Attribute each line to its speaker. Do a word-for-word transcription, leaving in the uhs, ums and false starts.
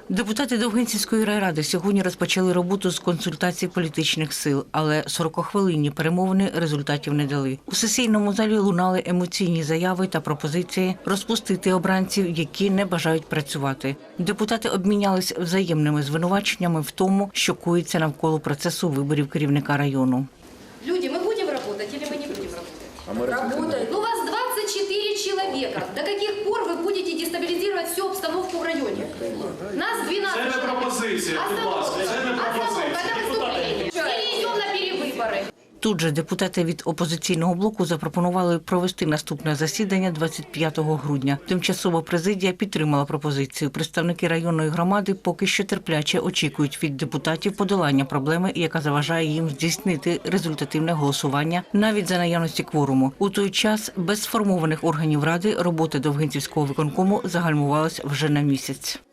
Speaker 1: Депутати Довгинцівської райради сьогодні розпочали роботу з консультацій політичних сил, але сорокахвилинні перемовини результатів не дали. У сесійному залі лунали емоційні заяви та пропозиції розпустити обранців, які не бажають працювати. Депутати обмінялись взаємними звинуваченнями в тому, що коїться навколо процесу виборів керівника району.
Speaker 2: Люди, мы будем работать или мы не будем работать? А мы работаем. Ну, у вас двадцать четыре человека. До каких пор вы будете дестабилизировать всю обстановку в районе? Нас двенадцать.
Speaker 3: Це не пропозиція, будь ласка, це не пропозиція.
Speaker 2: Это выступление. Или идем на перевыборы.
Speaker 1: Тут же депутати від опозиційного блоку запропонували провести наступне засідання двадцять п'ятого грудня. Тимчасова президія підтримала пропозицію. Представники районної громади поки що терпляче очікують від депутатів подолання проблеми, яка заважає їм здійснити результативне голосування навіть за наявності кворуму. У той час без сформованих органів ради робота Довгинцівського виконкому загальмувалась вже на місяць.